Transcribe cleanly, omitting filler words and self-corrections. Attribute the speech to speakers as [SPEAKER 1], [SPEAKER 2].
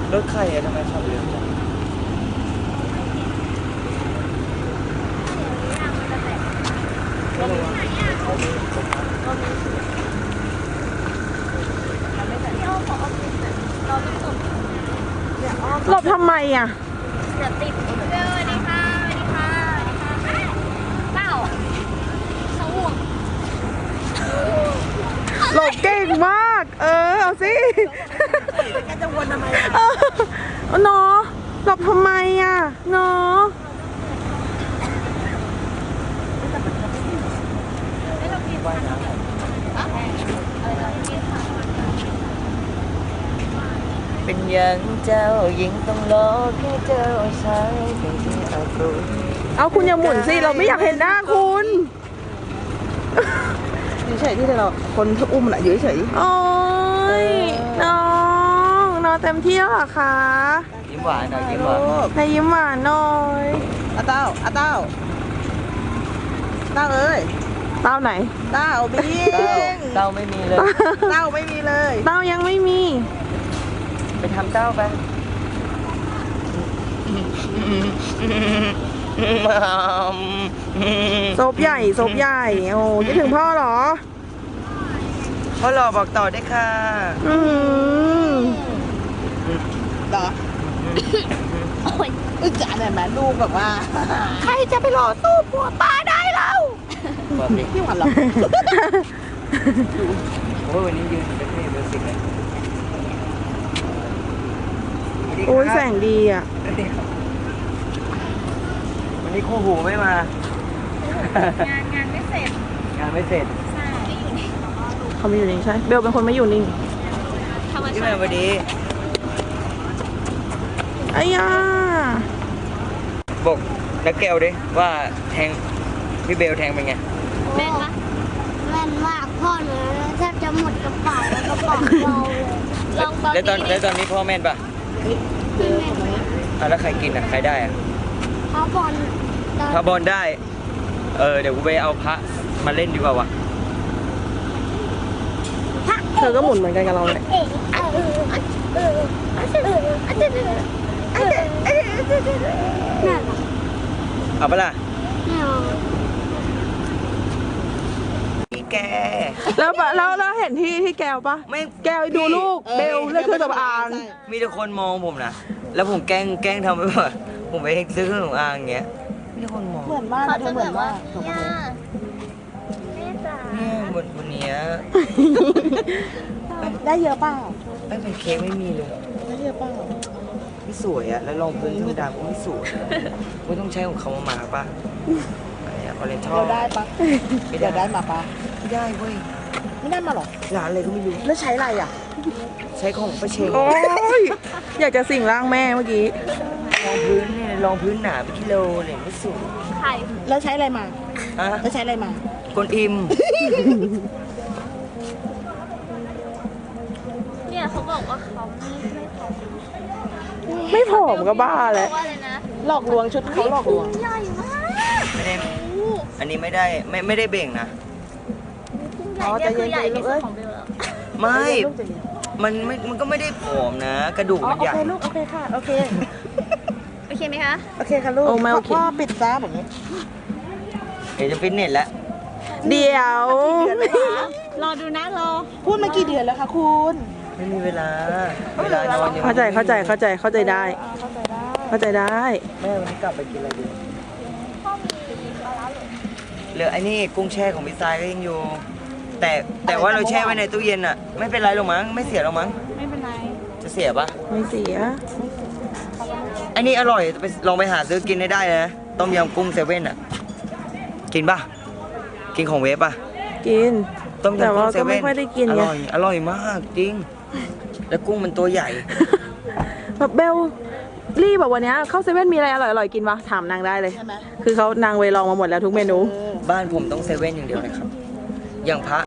[SPEAKER 1] รถใครอะทำไมขับเร็วจัง
[SPEAKER 2] หลบทำไมอ่ะ
[SPEAKER 3] เดี๋ยวติดเร็วสวัสดีค่ะสวัสดีค่ะสวัสดีค่ะเปล่าเขาห่วง
[SPEAKER 2] หลบเก่งมาก เอาสิ
[SPEAKER 4] แกจะวนทำไม
[SPEAKER 2] เนาะหลบทำไมอ่ะเนาะ
[SPEAKER 1] เป็นอย่างเจ้ายิงต้องรอแค่เจ้าใช้เป็นที่เอาครู
[SPEAKER 2] เอาคุณอย่าหมุนสิ เราไม่อยากเห็นหน้าคุณอยู่เฉยที่เราคนที่อุ้มน่ะอยู่เฉยโอ้ยน้องเต็มที่แล้วเหรอคะ
[SPEAKER 1] ยิ้มหวานหน่อยยิ้มหวาน
[SPEAKER 2] นายยิ้มหวานหน่อย
[SPEAKER 4] อาเต้าเต้าเอ้ย
[SPEAKER 2] เต้าไหน
[SPEAKER 4] เต้าบิง
[SPEAKER 1] เต้าไม่มีเลย
[SPEAKER 4] เต้าไม่มีเลย
[SPEAKER 2] เต้ายังไม่มี
[SPEAKER 1] ไปทำเต้าไป
[SPEAKER 2] โซบใหญ่โอ้คิดถึงพ่อเหรอ
[SPEAKER 1] พ่อหล่อบอกต่อได้ค่ะ
[SPEAKER 2] อือหือ
[SPEAKER 4] เหรออึจ่าเนี่ยแม่ลูกแบบว่า
[SPEAKER 2] ใครจะไปหล่อสู้ผัวป้าได้เรา
[SPEAKER 1] บอกดิ
[SPEAKER 4] พี่หวันเหรอ
[SPEAKER 1] โอ้ยวันนี้ยืนเป็นเบอร์สิกเลย
[SPEAKER 2] โอ้ยแสงดีอ่ะ
[SPEAKER 1] วันนี้คู่หูไม่มา
[SPEAKER 3] งานไม่เสร็จ
[SPEAKER 1] งานไม่เสร็จ
[SPEAKER 3] ใช่ไม่อยู่ใน
[SPEAKER 2] เขาไม่อยู่นิ่งใช่ เบลเป็นคนไม่อยู่นิ่ง
[SPEAKER 3] ธรรม
[SPEAKER 1] ที่
[SPEAKER 3] ชา
[SPEAKER 1] แม่
[SPEAKER 3] ติ
[SPEAKER 1] วันนี้
[SPEAKER 2] อ้ยา
[SPEAKER 1] บอกนักแก้วดิว่าแทงพี่เบลแทงเป็นไง
[SPEAKER 3] แม่นปะ
[SPEAKER 5] แม่นมากพ่อหนูแทบจะหมดกระเป๋ากระเป๋าเราเลย
[SPEAKER 3] ลองตอน
[SPEAKER 1] แล้วตอน
[SPEAKER 3] นี้
[SPEAKER 1] แล้วตอนนี้พ่อแม่นปะ
[SPEAKER 5] ไม่แม่น
[SPEAKER 1] แล้วใครกินอ่ะใครได้อ่ะ
[SPEAKER 5] เขาบอลตอน
[SPEAKER 1] พระบอลได้ เดี๋ยวกูไปเอาพระมาเล่นดีกว่าวะ
[SPEAKER 2] เธอก็หมุนเหมือนกันกับเราเลย
[SPEAKER 5] นั่น
[SPEAKER 1] เอาปะล่ะ
[SPEAKER 5] แม่เอา
[SPEAKER 1] พี่แก
[SPEAKER 2] แล้วเห็นที่แก้วปะ
[SPEAKER 1] ไม่
[SPEAKER 2] แก้วดูลูก เบลเลือกเครื่องสำอาง
[SPEAKER 1] มีแต่คนมองผมนะแล้วผมแกล้งทำไปว่าผมไปซื้อเครื่องสำอางอย่างเงี้ยมีแต่คนมอง
[SPEAKER 4] เหมือนมาก
[SPEAKER 3] เขา
[SPEAKER 4] เธ
[SPEAKER 3] จะ
[SPEAKER 4] อเห
[SPEAKER 3] แบ
[SPEAKER 4] มือน
[SPEAKER 3] บว่า
[SPEAKER 4] ว่า
[SPEAKER 3] ย่าแม่จ๋า
[SPEAKER 1] เนี่ยบนเนี้ย
[SPEAKER 4] ได้เยอะเปล่า
[SPEAKER 1] ไม่เป็นเค้กไม่มีเลย
[SPEAKER 4] ได้เยอะเปล่า
[SPEAKER 1] ไม่สวยอะแล้วรองพื้นธรรมดาก็ไม่สวยไม่ต้องใช้ของเขามาป่ะอะไรอะออเรนทัล
[SPEAKER 4] เราได้ปะ
[SPEAKER 1] ไม่
[SPEAKER 4] เดี๋ยว
[SPEAKER 1] ได้
[SPEAKER 4] ได้มาปะ
[SPEAKER 1] ไม่ได้เว้ย
[SPEAKER 4] ไม่ได้มาหรอ
[SPEAKER 1] ร้านอะไรก็ไม่รู้
[SPEAKER 4] แล้วใช้อะไรอ่ะ
[SPEAKER 1] ใช้ของประเชง
[SPEAKER 2] โอ้ย อยากจะสิ่งร่างแม่เมื่อกี้
[SPEAKER 1] รองพื้นเนี่ยรองพื้นหนาเป็นกิโลเลยไม่สวย
[SPEAKER 3] ไข่
[SPEAKER 4] แล้วใช้อะไรมา
[SPEAKER 1] อะ
[SPEAKER 4] แล้วใช้อะไรมา
[SPEAKER 1] กวนอิม
[SPEAKER 3] เนี่ยเขาบอกว่าเขาไม่ผอม
[SPEAKER 2] ไม่ผอมก็บ้าแล้ว
[SPEAKER 3] ว่าเลยนะ
[SPEAKER 4] หลอกลวงชุดเขาหลอกลวง
[SPEAKER 3] ใหญ่มาก
[SPEAKER 1] ไม่ได้อันนี้ไม่ได้ไม่ได้เบ่งนะ
[SPEAKER 3] ใหญ่เนี่ยคือใหญ่ที่สุดของเบลแล้ว
[SPEAKER 1] ไม่
[SPEAKER 4] ลูกจะเย็น
[SPEAKER 1] มันก็ไม่ได้ผอมนะ กระดูก
[SPEAKER 4] อ๋อ
[SPEAKER 1] มัน
[SPEAKER 4] โอ
[SPEAKER 1] ใหญ่
[SPEAKER 4] เคลูกโอเคค่ะโอเค
[SPEAKER 3] โอเคไหมคะ
[SPEAKER 4] โอเคค่ะลูก
[SPEAKER 2] โอ้ไม่โอเค
[SPEAKER 4] พ่อปิดจ้าแบบนี้
[SPEAKER 1] เดี๋ยวจะฟิตเนสแล้ว
[SPEAKER 2] เดี๋ยว
[SPEAKER 3] รอดูนะรอ
[SPEAKER 4] พูดมากี่เดือนแล้วคะคุณ
[SPEAKER 1] ไม่มีเวลานอนยัง
[SPEAKER 2] เข้าใจได้
[SPEAKER 4] เข้าใจได้
[SPEAKER 2] เข้าใจได้
[SPEAKER 1] แม่วันนี้กลับไปกินอะไรดีเหลือไอ้นี่กุ้งแช่ของพี่ทรายก็ยังอยู่ แต่ว่าเราแช่ไว้ในตู้เย็นอ่ะ ไม่เป็นไรหรอกมั้งไม่เสียหรอกมั้ง
[SPEAKER 3] ไม่เป็นไร
[SPEAKER 1] จะเสียปะ
[SPEAKER 2] ไม่เสีย
[SPEAKER 1] ไอ้นี่อร่อยไปลองไปหาซื้อกินให้ได้นะต้มยำกุ้งเซเว่นอ่ะ กินปะกินของเวฟปะ
[SPEAKER 2] กิน
[SPEAKER 1] ต้ม
[SPEAKER 2] แต่
[SPEAKER 1] ยำกุ้
[SPEAKER 2] ว่าง
[SPEAKER 1] เซ
[SPEAKER 2] ก็
[SPEAKER 1] เว่
[SPEAKER 2] ไม่
[SPEAKER 1] น
[SPEAKER 2] ค่อยได้กิน
[SPEAKER 1] อ
[SPEAKER 2] ไง
[SPEAKER 1] ร่อยมากจริง แล้วกุ้งมันตัวใหญ่
[SPEAKER 2] แบบเบลลี่แบบวันเนี้ยเข้าเซเว่นมีอะไรอร่อยๆกินปะถามนางได้เลย
[SPEAKER 4] ใช่ไหม
[SPEAKER 2] คือเขานางเวลองมาหมดแล้วทุกเมนู
[SPEAKER 1] บ้านผมต้องเซเว่นอย่างเดียวเลยครับ อย่างพระ